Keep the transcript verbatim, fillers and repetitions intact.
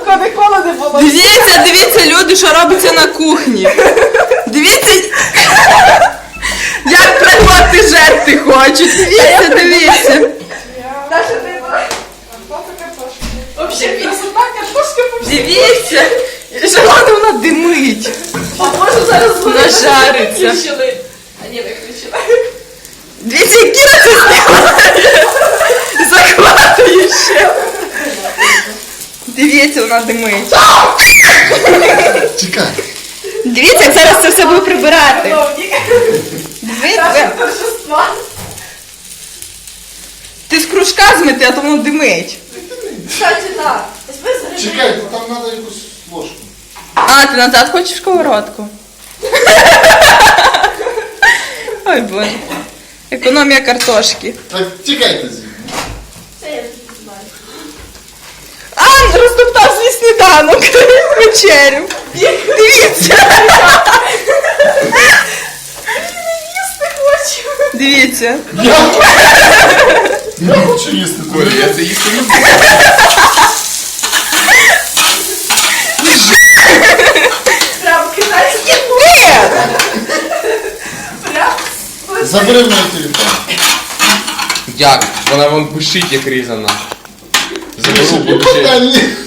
такого ніколи не було. Дивіться, дивіться, люди, що робиться на кухні. Дивіться, як приходити жерти хочуть. Дивіться, дивіться. Даша, ти вообще красота, картошка по всій. Дивіться, що вона, вона димить. А може зараз вони Нажариться. виключили? А ні, виключили. Дивіться, як Кіра це знімає. Захватує ще. Дивіться, вона димить. Чекай. Дивіться, як зараз це все буде прибирати. Чиновник. Дивіться. Наше торжество. Ти з кружка змити, а то воно димить. Кстати, так. Візьми заряджай. Чекай, там треба якусь ложку. А, ти назад хочеш сковородку? Ой, боже. Економія картошки. Так, тікайте звідси. Це я вже знаю. А, розтоптав свій сніданок. Вечерю. Дивіться. Їсти хочу. Дивіться. Я, я хочу їсти. Коля, я це їсти не буду. Прям китайський. Ні. Прям. Забери мій телефон. Як? Вона вон пишить, як різана. Заберу, буду ще. Та ні.